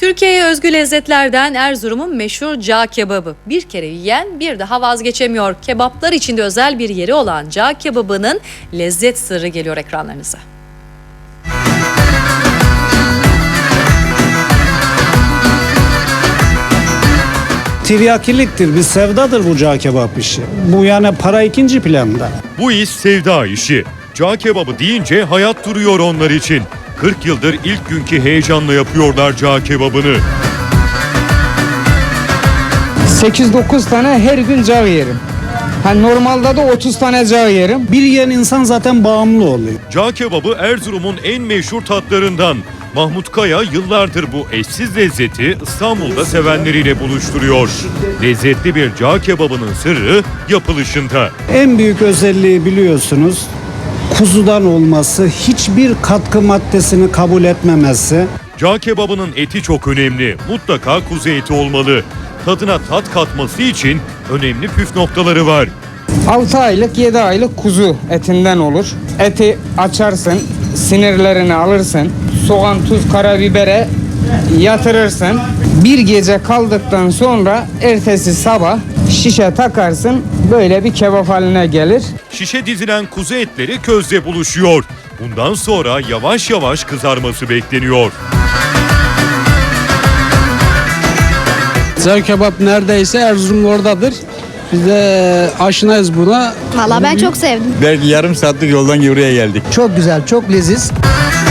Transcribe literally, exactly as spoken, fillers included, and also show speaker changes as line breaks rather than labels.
Türkiye'ye özgü lezzetlerden Erzurum'un meşhur cağ kebabı. Bir kere yiyen bir daha vazgeçemiyor. Kebaplar içinde özel bir yeri olan cağ kebabının lezzet sırrı geliyor ekranlarınıza.
Tiryakiliktir, bir sevdadır bu cağ kebap işi. Bu yani para ikinci planda.
Bu iş sevda işi. Cağ kebabı deyince hayat duruyor onlar için. kırk yıldır ilk günkü heyecanla yapıyorlar cağ kebabını.
sekiz dokuz tane her gün cağ yerim. Ha, normalde de otuz tane cağ yerim.
Bir yiyen insan zaten bağımlı oluyor.
Cağ kebabı Erzurum'un en meşhur tatlarından. Mahmut Kaya yıllardır bu eşsiz lezzeti İstanbul'da sevenleriyle buluşturuyor. Lezzetli bir cağ kebabının sırrı yapılışında.
En büyük özelliği biliyorsunuz, kuzudan olması, hiçbir katkı maddesini kabul etmemesi.
Cağ kebabının eti çok önemli. Mutlaka kuzu eti olmalı. Tadına tat katması için önemli püf noktaları var.
altı aylık yedi aylık kuzu etinden olur. Eti açarsın, sinirlerini alırsın. Soğan, tuz, karabibere yatırırsın. Bir gece kaldıktan sonra ertesi sabah şişe takarsın. Böyle bir kebap haline gelir.
Şişe dizilen kuzu etleri közle buluşuyor. Bundan sonra yavaş yavaş kızarması bekleniyor.
Cağ kebap neredeyse Erzurum oradadır. Biz de aşinayız buna.
Valla ben çok sevdim.
Belki yarım saatlik yoldan buraya geldik.
Çok güzel, çok leziz.